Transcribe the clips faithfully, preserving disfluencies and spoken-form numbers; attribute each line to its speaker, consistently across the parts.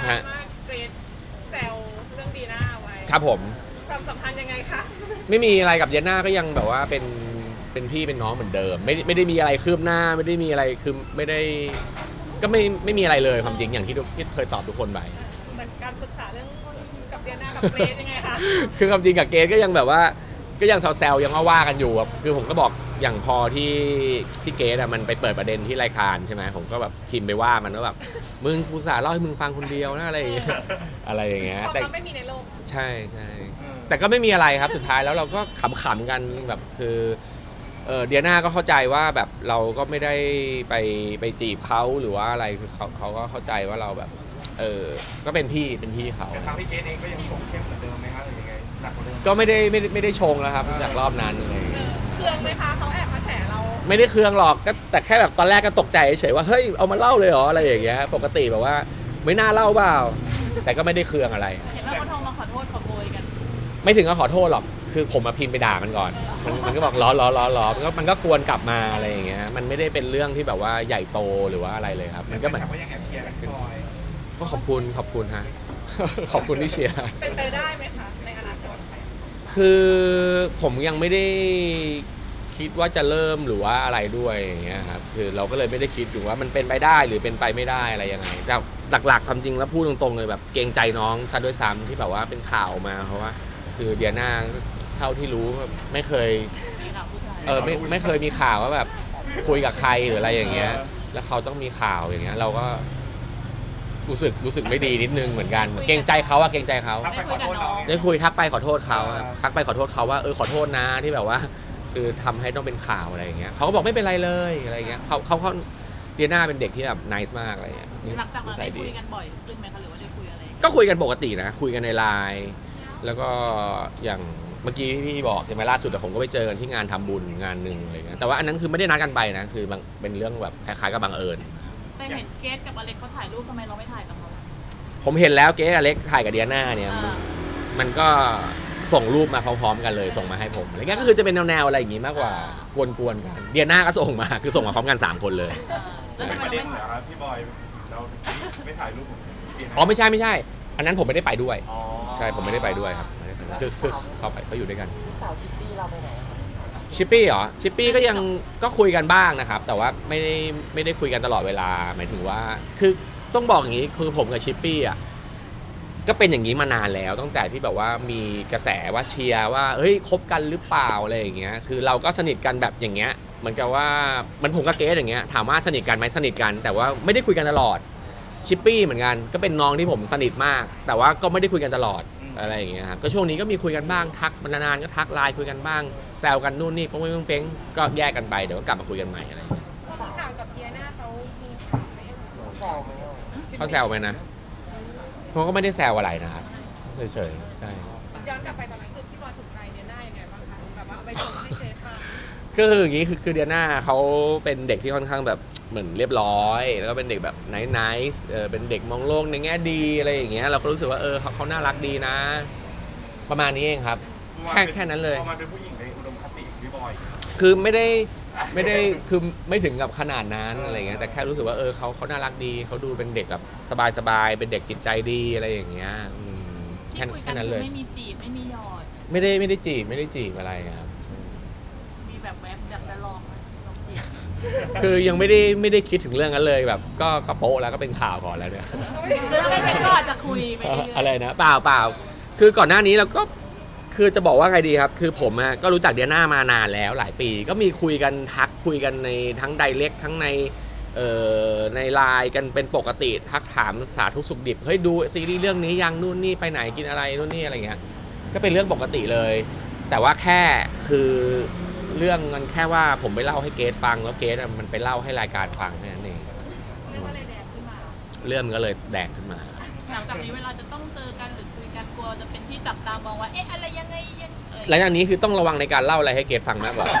Speaker 1: ดราม่าเกรดแซวเรื่องดีน่าไว้
Speaker 2: ครับผม
Speaker 1: ความสัมพันธ์ยังไงคะ
Speaker 2: ไม่มีอะไรกับเดียน่าก็ยังแบบว่าเป็นเป็นพี่เป็นน้องเหมือนเดิมไม่ไม่ได้มีอะไรคืบหน้าไม่ได้มีอะไรคือไม่ได้ก็ไม่ไม่มีอะไรเลยความจริงอย่างที่ทุกที่เคยตอบทุกคนไป
Speaker 1: เหมือนการปรึกษาเรื่องกับเดียน่ากับเกรดยังไงคะ
Speaker 2: คือความจริงกับเกรดก็ยังแบบว่าก็ยังแซวๆยังว่ากันอยู่คือผมก็บอกอย่างพอที่ที่เกรดอะมันไปเปิดประเด็นที่รายการใช่ไหมผมก็แบบพิมพ์ไปว่ามันว่าแบบมึงกูสาเล่าให้มึงฟังคนเดียวนะอะไรอย่างเงี้ยอะไรอย่างเงี้ย
Speaker 1: แต่ไม่มีในโลก
Speaker 2: ใช่ใช่แต่ก็ไม่มีอะไรครับสุดท้ายแล้วเราก็ขำๆกันแบบคือเออเดียน่าก็เข้าใจว่าแบบเราก็ไม่ได้ไปไปจีบเขาหรือว่าอะไรคือเขาเขาก็เข้าใจว่าเราแบบเออก็เป็นพี่เป็นพี่เขา
Speaker 3: แต่ทางพี่เกดเองก็ยังชงเข้มเหมือนเดิมไหมครับหรือยังไงหนักกว่าเดิม
Speaker 2: ก็ไม่ได้ไม่ได้ไม่ได้ชงแล้วครับจากรอบนั้นเลย
Speaker 1: เครื่องไหมคะเขาแอบมาแฉเรา
Speaker 2: ไม่ได้เครื่องหรอกก็แต่แค่แบบตอนแรกก็ตกใจเฉยว่าเฮ้ยเอามาเล่าเลยเหรออะไรอย่างเงี้ยปกติแบบว่าไม่น่าเล่าเปล่าแต่ก็ไม่ได้เครื่องอะไร
Speaker 4: เห็นว่าเขาโทรมาขอโทษขอโพยกัน
Speaker 2: ไม่ถึงกับขอโทษหรอกคือผมมาพิมพ์ไปด่ามันก่อนมันมันก็บอกล้อล้อล้อล้อมันก็มันก็กวนกลับมาอะไรอย่างเงี้ยมันไม่ได้เป็นเรื่องที่แบบว่าใหญ่โตหรือว่าอะไรเลยครับมันก็เหมือน
Speaker 3: ก็ยังแอบเชียร์กันพี่บอย
Speaker 2: ก็ขอบคุณขอบคุณฮะ ขอบคุณที่เชียร์
Speaker 1: เป็นไปได้ไหมคะในอนาคต
Speaker 2: คือผมยังไม่ได้คิดว่าจะเริ่มหรือว่าอะไรด้วยอย่างเงี้ยครับคือเราก็เลยไม่ได้คิดถึงว่ามันเป็นไปได้หรือเป็นไปไม่ได้อะไรยังไงแต่หลักๆความจริงแล้วพูดตรงๆเลยแบบเกรงใจน้องซะด้วยซ้ำที่แบบว่าเป็นข่าวมาเพราะว่าคือเดียน่าเท่าที่รู้ไม่เคยเออไม่ไม่เคยมีข่าวว่าแบบคุยกับใครหรืออะไรอย่างเงี้ยแล้วเขาต้องมีข่าวอย่างเงี้ยเราก็รู้สึกรู้สึกไม่ดีนิดนึงเหมือนกันเกรงใจเขาอะเกรงใจเขาได้คุยทักไปขอโทษเขาทักไปขอโทษเขาว่าเออขอโทษนะที่แบบว่าคือทำให้ต้องเป็นข่าวอะไรอย่างเงี้ยเขาก็บอกไม่เป็นไรเลยอะไรอย่างเงี้ยเขาเขาเขาเดียน่าเป็นเด็กที่แบบนิสมากอะไรอย่างเงี้ย
Speaker 4: หลังจากนั้นได้คุยกันบ่อยขึ้นไหมคะหรือว่าได้คุยอะไร
Speaker 2: ก็คุยกันปกตินะคุยกันในไลน์แล้วก็อย่างเมื่อกี้พี่บอกใช่ไหมล่าสุดแต่ผมก็ไปเจอกันที่งานทำบุญงานหนึ่งอะไรเงี้ยแต่ว่าอันนั้นคือไม่ได้นัดกันไปนะคือเป็นเรื่องแบบคล้ายๆกับบังเอิญ
Speaker 4: แต่เห็นเกสกับอเล็กเขาถ่ายรูปทำไมเราไม่ถ่ายกับเขา
Speaker 2: ผมเห็นแล้วเกสอเล็กถ่ายกับเดียน่าเนี่ยมันก็ส่งรูปมาพร้อมๆกันเลยส่งมาให้ผมอะไรเงี้ยก็คือจะเป็นแนวๆอะไรอย่างงี้มากกว่ากวนๆกันเดียน่าก็ส่งมาคือส่งมาพร้อมกันสามคนเลย
Speaker 3: เป็นประเด็นเหรอครับพี่บอยเราไม่ถ่ายรูป
Speaker 2: อ๋อไม่ใช่ไม่ใช่อันนั้นผมไม่ได้ไปด้วยใช่ผมไม่ได้ไปด้วยครับคือคือเขาไปเขาอยู่ด้วยกัน
Speaker 5: สาวชิปปี้เราไปไหน
Speaker 2: ชิปปี้เหรอชิปปี้ก็ยังก็คุยกันบ้างนะครับแต่ว่าไม่ได้ไม่ได้คุยกันตลอดเวลาหมายถึงว่าคือต้องบอกอย่างนี้คือผมกับชิปปี้อ่ะก็เป็นอย่างนี้มานานแล้วตั้งแต่ที่แบบว่ามีกระแสว่าเชียร์ว่าเฮ้ยคบกันหรือเปล่าอะไรอย่างเงี้ยคือเราก็สนิทกันแบบอย่างเงี้ยเหมือนกับว่ามันผมกับเกสอย่างเงี้ยถามว่าสนิทกันไหมสนิทกันแต่ว่าไม่ได้คุยกันตลอดชิปปี้เหมือนกันก็เป็นน้องที่ผมสนิทมากแต่ว่าก็ไม่ได้คุยกันตลอดอะไรอย่างเงี้ยครับก็ช่วงนี้ก็มีคุยกันบ้างทักนานๆก็ทักไลน์คุยกันบ้างแซวกันนู่นนี่ป้งเป้งก็แยกกันไปเดี๋ยวก็กลับมาคุยกันใหม่อะไรอย่างเงี้ย
Speaker 1: ข่าวกับเดียน่าเขามีข่าวไหม
Speaker 5: แซวไหม
Speaker 2: เขาแซวไหมนะเขาก็ไม่ได้แซวอะไรนะครับเฉยๆใช่
Speaker 1: ย้อนกลับไปตอนนั้นคือพี่บอยถูกใจเดียน่ายังไงบ้างคะแบบว่าไปชมให้เจฟฟัง
Speaker 2: ก็คืออย่างนี้คือคือเดียน่าเขาเป็นเด็กที่ค่อนข้างแบบเหมือนเรียบร้อยแล้วก็เป็นเด็กแบบไนท์ไนท์เออเป็นเด็กมองโลกในแง่ดีอะไรอย่างเงี้ยเราก็รู้สึกว่าเออเขาเขาน่ารักดีนะประมาณนี้เองครับแค่แค่นั้นเลย
Speaker 3: พอมันเป็นผู้หญิงในอุดมคติพี่บอย
Speaker 2: คือไม่ได้ไม่ได้คือไม่ถึงกับขนาดนั้นอะไรเงี้ยแต่แค่รู้สึกว่าเออเขาเขาน่ารักดีเขาดูเป็นเด็กแบบสบายๆเป็นเด็กจิตใจดีอะไรอย่างเงี้ยแค่แค่นั้นเลย
Speaker 4: ไม่มีจีบไม่มีหยอด
Speaker 2: ไม่ได้ไม่ได้จีบไม่ได้จีบอะไรครับ
Speaker 4: มีแบบแวบอยากจะลองไหมลองจีบ
Speaker 2: คือยังไม่ได้ไม่ได้คิดถึงเรื่องนั้นเลยแบบก็กระโปะแล้วก็เป็นข่าวก่อนแล้วเนี่ย
Speaker 4: หรือถ้าไม่เป็นก็อาจจะคุยไปเรื่อยๆ
Speaker 2: อะไรนะเปล่าเปล่าคือก่อนหน้านี้เราก็คือจะบอกว่าไงดีครับคือผมก็รู้จักเดียน่ามานานแล้วหลายปีก็มีคุยกันทักคุยกันในทั้งไดเรกทั้งในเอ่อในไลน์กันเป็นปกติทักถามสาธุสุขดิบเฮ้ยดูซีรีส์เรื่องนี้ยังนู่นนี่ไปไหนกินอะไรนู่นนี่อะไรเงี้ยก็เป็นเรื่องปกติเลยแต่ว่าแค่คือเรื่องมันแค่ว่าผมไปเล่าให้เกสฟังแล้วเกสมันไปเล่าให้รายการฟังแค่นั้นเอง
Speaker 4: เรื่องก็เลยแดงขึ้นมา
Speaker 2: เรื่องมันก็เลยแดงขึ้นมา
Speaker 4: หลังจากนี้เวลาจะต้องเจอกันหรือคุยกันกลัวจะเป็นที่จับตามองว่าเอ๊ะอะไรยังไง
Speaker 2: หลังจากนี้คือต้องระวังในการเล่าอะไรให้เกสฟังมากกว่า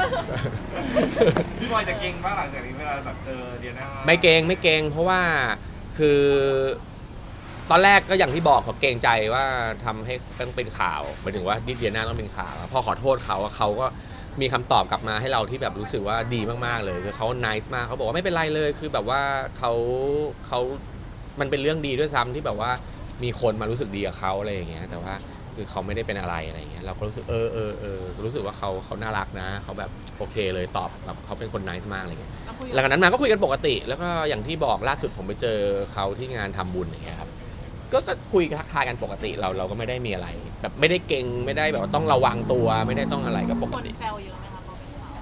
Speaker 3: พี่บอยจะเก่งบ้างหลังจากนี้เวลาแบบเจอเดียน่า
Speaker 2: ไม่เก่งไม่เก่งเพราะว่าคือตอนแรกก็อย่างที่บอกเขาเกรงใจว่าทำให้ต้องเป็นข่าวหมายถึงว่าดิเดียน่าต้องเป็นข่าวพอขอโทษเขาเขาก็มีคำตอบกลับมาให้เราที่แบบรู้สึกว่าดีมากๆเลยคือเขา nice มากเขาบอกว่าไม่เป็นไรเลยคือแบบว่าเขาเขามันเป็นเรื่องดีด้วยซ้ำที่แบบว่ามีคนมารู้สึกดีกับเขาอะไรอย่างเงี้ยแต่ว่าคือเขาไม่ได้เป็นอะไรอะไรอย่างเงี้ยเราก็รู้สึกเออเออเออรู้สึกว่าเขาเขาน่ารักนะเขาแบบโอเคเลยตอบแบบเขาเป็นคนไนท์มากอะไรเงี้ย
Speaker 4: เราคุย
Speaker 2: หลังจากนั้นมาก็คุยกันปกติ แล้วก็อย่างที่บอกล่าสุดผมไปเจอเขาที่งานทำบุญอย่างเงี้ยครับก็จะคุยทักทายกันปกติเราเราก็ไม่ได้มีอะไร แบบไม่ได้เก่งไม่ได้แบบว่าต้องระวังตัวไม่ได้ต้องอะไรก็ปก
Speaker 4: คน
Speaker 2: ติ
Speaker 4: แซวเยอะไหมคะพอเป็นข่าว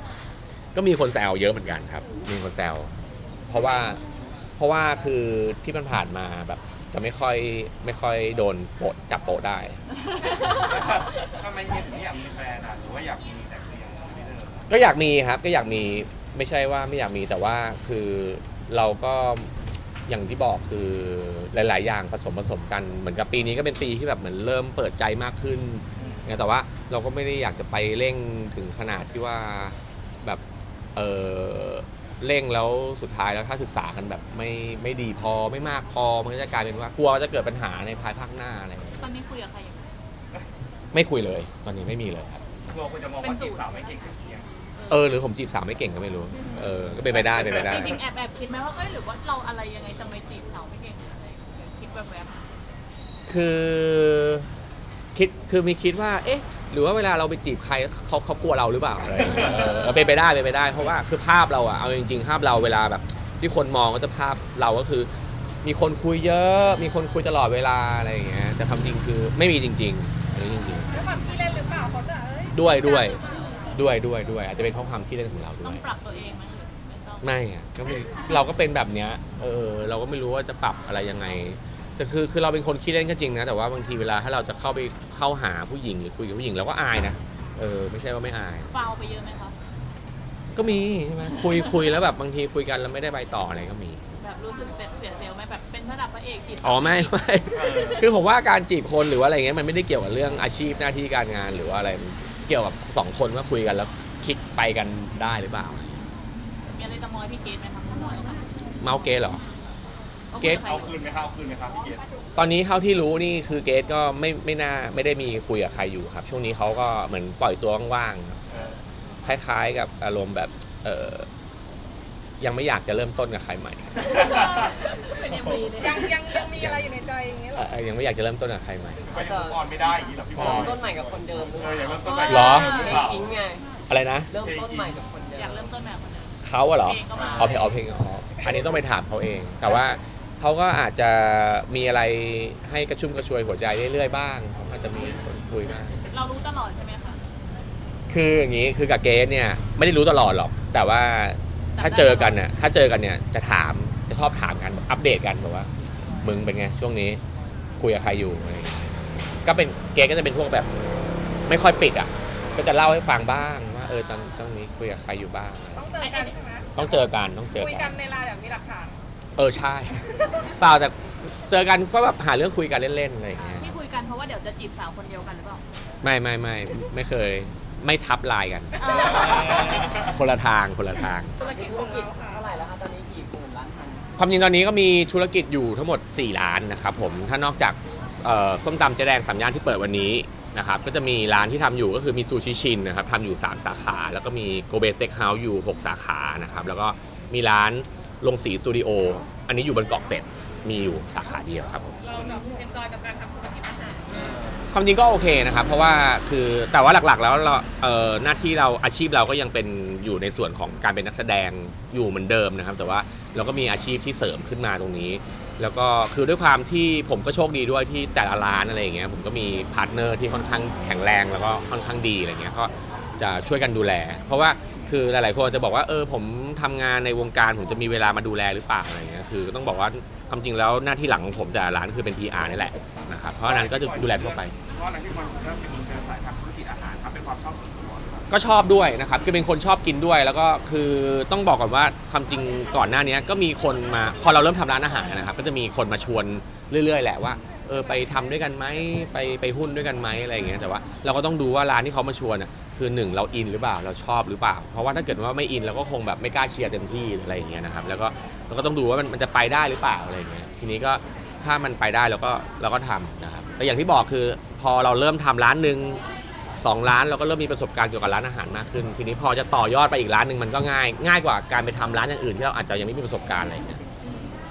Speaker 2: ก็มีคนแซวเยอะเหมือนกันครับ มีคนแซวเพราะว่าเพราะว่าคือที่มันผ่านมาแบบจะไม่ค่อยไม่ค่อยโดนโปะจับโปะได้
Speaker 3: ทำไมเฮียถึงไม่อยากมีแฟนอ่ะหรือว่าอยากมีแต่เพียงไม่เดิม
Speaker 2: ก็อยากมีครับก็อยากมีไม่ใช่ว่าไม่อยากมีแต่ว่าคือเราก็อย่างที่บอกคือหลาย ๆ อย่างผสมผสมกันเหมือนกับปีนี้ก็เป็นปีที่แบบเหมือนเริ่มเปิดใจมากขึ้นแต่ว่าเราก็ไม่ได้อยากจะไปเร่งถึงขนาดที่ว่าแบบเออเร่งแล้วสุดท้ายแล้วถ้าศึกษากันแบบไม่ไม่ดีพอไม่มากพอมันก็จะกลายเป็นว่ากลัวจะเกิดปัญหาในภายภาคหน้าอะไรอย่างเงี้ย
Speaker 4: ตอนนี้คุยกับใครอยู่
Speaker 2: ไม่คุยเลยตอนนี้ไม่มีเลยครับ
Speaker 3: กลัวคนจะมองว่าจีบสาวไม่เก่งกับเฮีย
Speaker 2: เออหรือผมจีบสาวไม่เก่งก็ไม่รู้เออก็เป็นไปได้เป็นไปได้
Speaker 4: จริงๆแอบแอบคิดไหมว่าเอ้ยหรือว่าเราอะไรยังไงทำไมจีบสาวไม่เก่งอะไรคิดแบบแบบ
Speaker 2: คือคิดคือมีคิดว่าเอ๊ะหรือว่าเวลาเราไปจีบใครเขาเขากลัวเราหรือเปล่าอะไรอย่างเงี้ยเออเป็นไปได้เป็นไปได้เพราะว่าคือภาพเราอะเอาจริงๆภาพเราเวลาแบบที่คนมองก็จะภาพเราก็คือ มีคนคุยเยอะ มีคนคุยตลอดเวลาอะไรอย่างเงี้ยแต่ความจริงคือไม่มีจริงๆอันนี้จริง
Speaker 1: ด้วยความที่เล่นหรือเปล่าเขาจะเอ้ย
Speaker 2: ๆด้วยด้วยด้วยด้วยด้วยอาจจะเป็นเพราะความขี้เล่นของเราด้
Speaker 4: ต้อ
Speaker 2: ว
Speaker 4: ง
Speaker 2: ย
Speaker 4: ปรับตัวเองไหมหรือไม่ต้อง
Speaker 2: ไม่อะก็ไม่เราก็เป็นแบบเนี้ยเออเราก็ไม่รู้ว่าจะปรับอะไรยังไงแต่คือคือเราเป็นคนขี้เล่นก็จริงนะแต่ว่าบางทีเวลาถ้าเราจะเข้าไปเข้าหาผู้หญิงหรือคุยกับผู้หญิงเราก็อายนะเออไม่ใช่ว่าไม่อาย
Speaker 4: ฟาวไปเยอะไหมคะ
Speaker 2: ก็มีใช่ไหมคุยคุยแล้วแบบบางทีคุยกันแล้วไม่ได้ไปต่ออะไรก็มี
Speaker 4: แบบรู้สึกเสียเสียเซลล์ไหมแบบเป็นระดับพระเอกจีบ
Speaker 2: อ๋อไม่ไม่คือผมว่าการจีบคนหรือว่าอะไรเงี้ยมันไม่ได้เกี่ยวกับเรื่องอาชีพหน้าที่การงานหรือว่าอะไรมันเกี่ยวกับสองคนว่าคุยกันแล้วคลิกไปกันได้หรือเปล่า
Speaker 4: มีอะไรจะมอยพี่เกดไหมคะมอยค่ะ
Speaker 2: เมาเกสเหรอ เกรท
Speaker 3: เอาคืนไหมครับเอาคืนไหมครับพี่เกด
Speaker 2: ตอนนี้เท่าที่รู้นี่คือเกสก็ไม่ไม่น่าไม่ได้มีคุยกับใครอยู่ครับ ช่วงนี้เขาก็เหมือนปล่อยตัวว่างๆครับ
Speaker 3: เออ
Speaker 2: คล้ายๆกับอารมณ์แบบเออยังไม่อยากจะเริ่มต้นกับใครใหม่
Speaker 4: เป็นเอ็มวีเลย
Speaker 1: ยังยังยังมีอะไรอยู่ในใจอย่างเงี้ยเหรอ
Speaker 2: เอ่อยังไม่อยากจะเริ่มต้นกับใครใหม่
Speaker 3: ไปยังออนไม่ได้อย่างนี้เหรอพี่บอย
Speaker 5: ต้นใหม่กับคนเดิมหรือ
Speaker 3: เอ
Speaker 5: เป
Speaker 3: อ
Speaker 5: ล่า
Speaker 3: อย่างเริ่มต้นใหม่
Speaker 2: เหรอ
Speaker 5: เพลงอิงไง
Speaker 2: อะไรนะ
Speaker 5: เริ่มต้นใหม่กับคนเดิม
Speaker 4: อยากเริ่มต้นแบบคนเดิม
Speaker 2: เขาอะเหรอ
Speaker 4: เพลงก็มา
Speaker 2: เอาเพลงเอาเพลงอ๋ออันนี้ต้องไปถามเขาเอง แต่ว่าเขาก็อาจจะมีอะไรให้กระชุ่มกระชวยหัวใจเรื่อยๆบ้างเขาอาจจะมีคนคุยบ้าง
Speaker 4: เรารู้ตลอดใช่ไหมคะ
Speaker 2: คืออย่างนี้คือกับเกสเนี่ยไม่ได้รู้ตลอดหรอก แต่ว่าถ้าเจอกันเนี่ยถ้าเจอกันเนี่ยจะถามจะชอบถามกันแบบอัปเดตกันแบบว่า มึงเป็นไงช่วงนี้คุยกับใครอยู่อะไรอย่างเงี้ยก็เป็นเกสก็จะเป็นพวกแบบ ไม่ค่อยปิดอ่ะ ก็จะเล่าให้ฟังบ้างว่าเออตอนตอนนี้คุยกับใครอยู่บ้างอะไร
Speaker 1: ต้องเจอกันใช่ไหม
Speaker 2: ต้องเจอกันต้องเจอ
Speaker 1: คุย
Speaker 2: กั
Speaker 1: กัน นในไลน์แบบมีหลักฐาน
Speaker 2: เออใช่ เปล่าแต่เจอกันก็แบบหาเรื่องคุยกันเล่นๆอะไรอย่างเงี้ย
Speaker 4: ที่คุยกันเพราะว่าเดี๋ยวจะจีบสาวคนเดียวกันหรือเปล่า
Speaker 2: ไม่ไม่ไม่ไม่เคยไม่ทับไลน์กัน
Speaker 4: เออ
Speaker 2: คนละทางคนละทาง
Speaker 1: ธุรกิจ
Speaker 5: ธุ
Speaker 1: ข
Speaker 5: ร
Speaker 1: อง
Speaker 5: กิจ
Speaker 1: เราค่ะ
Speaker 5: เท่าไหร่แล้วคะตอนนี้กี่หมื่นล้านพัน
Speaker 2: ความจริงตอนนี้ก็มีธุรกิจอยู่ทั้งหมดสี่ร้านนะครับผมถ้านอกจากเอ่อส้มตำเจ๊แดงสามย่านที่เปิดวันนี้นะครับก็จะมีร้านที่ทำอยู่ก็คือมีซูชิชินนะครับทำอยู่สามสาขา แล้วก็มีโกเบสเซ็กเฮาส์อยู่หกสาขานะครับแล้วก็มีร้านลงสีสตูดิโออันนี้อยู่บนเกาะเป็ดมีอยู่สาขาเดียวครับผม
Speaker 1: เราแบบเอนจอยกับการทำธุรกิจอาหาร
Speaker 2: ความจริงก็โอเคนะครับเพราะว่าคือแต่ว่าหลักๆแล้วเราเอ่อหน้าที่เราอาชีพเราก็ยังเป็นอยู่ในส่วนของการเป็นนักแสดงอยู่เหมือนเดิมนะครับแต่ว่าเราก็มีอาชีพที่เสริมขึ้นมาตรงนี้ แล้วก็คือด้วยความที่ผมก็โชคดีด้วยที่แต่ละร้านอะไรอย่างเงี้ยผมก็มีพาร์ทเนอร์ที่ค่อนข้างแข็งแรงแล้วก็ค่อนข้างดีอะไรเงี้ยก็จะช่วยกันดูแล เพราะว่าคือหลายๆคนจะบอกว่าเออผมทำงานในวงการผมจะมีเวลามาดูแลหรือเปล่าอะไรเงี้ยคือต้องบอกว่าความจริงแล้วหน้าที่หลังของผมแต่ละร้านคือเป็น พี อาร์ นี่แหละนะครับเพราะฉะนั้นก็จะดูแลทั่วไป
Speaker 3: เพราะอะไรที่คนเริ่มเป็นอินเตอร์สายทางธุรกิจอาหารครับเป็นความชอบส่วนตัวหรือเปล่า
Speaker 2: ก็ชอบด้วยนะครับคือเป็นคนชอบกินด้วย แล้วก็คือต้องบอกก่อนว่าความจริงก่อนหน้านี้ก็มีคนมาพอเราเริ่มทำร้านอาหารนะครับก็จะมีคนมาชวนเรื่อยๆแหละว่าเออไปทำด้วยกันไหมไปไปหุ้นด้วยกันไหมอะไรอย่างเงี้ยแต่ว่าเราก็ต้องดูว่าร้านที่เขามาชวนอ่ะคือหนึ่งเราอินหรือเปล่าเราชอบหรือเปล่า เพราะว่าถ้าเกิดว่าไม่อินเราก็คงแบบไม่กล้าเชียร์เต็มที่หรืออะไรอย่างเงี้ยนะครับแล้วก็เราก็ต้องดูว่ามันมันจะไปได้หรือเปล่าอะไรอย่างเงี้ยทีนี้ก็ถ้ามันไปได้เราก็เราก็ทำนะครับแต่อย่างที่บอกคือพอเราเริ่มทำร้านหนึ่งสองร้านเราก็เริ่มมีประสบการณ์เกี่ยวกับร้านอาหารมากขึ้น ทีนี้พอจะต่อยอดไปอีกร้านหนึ่งมันก็ง่ายง่ายกว่าการไปทำร้านอย่างอื่นที่เราอาจจะยังไม่มีประสบการณ์อะไรอย่างเงี้ย
Speaker 1: ทุนจาก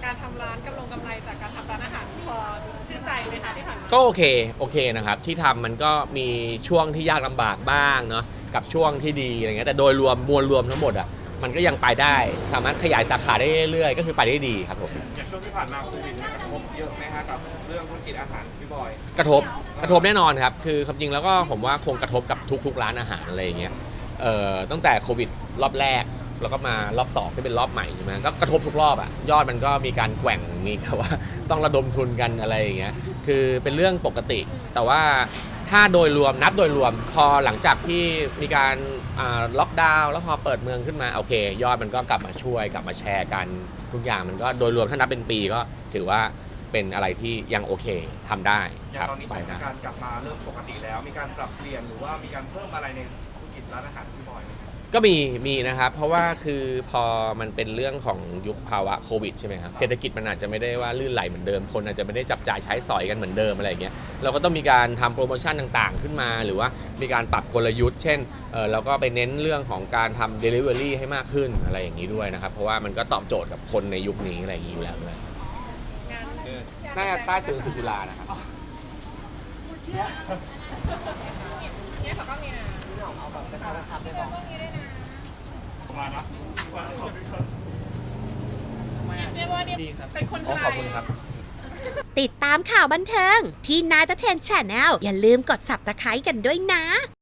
Speaker 1: การทำร้านกำลงกำไรจากการทำร้านอาหารพอชื่นใจไหมคะที่ผ่านมา
Speaker 2: ก็โอเคโอเคนะครับที่ทำมันก็มีช่วงที่ยากลำบากบ้างเนาะกับช่วงที่ดีอะไรเงี้ยแต่โดยรวมมวลรวมทั้งหมดอ่ะมันก็ยังไปได้สามารถขยายสาขาได้เรื่อยๆก็คือไปได้ดีครับผม
Speaker 3: อย่างช่วงที่ผ่านมาโควิดเนี่ยกระทบเยอะไหมฮะกับเรื่องธุรกิจอาหารพี่บอย
Speaker 2: กระทบกระทบแน่นอนครับคือความจริงแล้วก็ผมว่าคงกระทบกับทุกๆร้านอาหารอะไรอย่างเงี้ยเอ่อตั้งแต่โควิดรอบแรกแล้วก็มารอบสองที่เป็นรอบใหม่ใช่ไหมก็กระทบทุกรอบอะยอดมันก็มีการแกว่งมีแบบว่าต้องระดมทุนกันอะไรอย่างเงี้ยคือเป็นเรื่องปกติ แต่ว่าถ้าโดยรวมนับโดยรวมพอหลังจากที่มีการอ่าล็อกดาวน์แล้วพอเปิดเมืองขึ้นมาโอเค ยอดมันก็กลับมาช่วยกลับมาแชร์กันทุกอย่างมันก็โดยรวมถ้านับเป็นปีก็ถือว่าเป็นอะไรที่ยังโอเคทำได้
Speaker 3: อ
Speaker 2: ค
Speaker 3: ย่าง
Speaker 2: รับ
Speaker 3: ตอนนี้ส
Speaker 2: ไป
Speaker 3: ถาน
Speaker 2: ได้
Speaker 3: การณ์กลับมาเริ่มปกติแล้ว มีการปรับเปลี่ยนหรือว่ามีการเพิ่มอะไรในธุรกิจร้านอาหารพี่บอยไหมครับ
Speaker 2: ก็มีมีนะครับ เพราะว่าคือพอมันเป็นเรื่องของยุคภาวะโควิดใช่ไหมครับเศรษฐกิจมันอาจจะไม่ได้ว่าลื่นไหลเหมือนเดิมคนอาจจะไม่ได้จับจ่ายใช้สอยกันเหมือนเดิมอะไรอย่างเงี้ยเราก็ต้องมีการทำโปรโมชั่นต่างๆ ขึ้นมา หรือว่ามีการปรับกลยุทธ์ เช่นเออเราก็ไปเน้นเรื่องของการทำ Delivery ให้มากขึ้นอะไรอย่างนี้ด้วยนะครับเพราะว่ามันก็ตอบโจทย์กับคนในยุคนี้อะไรอย่างนี้อยู่แล้วด้วย
Speaker 1: งาน
Speaker 3: เออ
Speaker 2: น่าจะใต้ถึงคือจุฬานะครับ
Speaker 1: เนี่ยเขาก็มีนะ
Speaker 5: พี่หน่องเอาแบบกระชับกระชับไปบอก
Speaker 3: ประมาณนะ
Speaker 4: เรียกว่าเนี่ย
Speaker 1: เป็นคนไทย
Speaker 2: ขอบคุณครับ
Speaker 6: ติดตามข่าวบันเทิง พี่นายตะเทนแชนแนลอย่าลืมกด ซับสไครบ์ กันด้วยนะ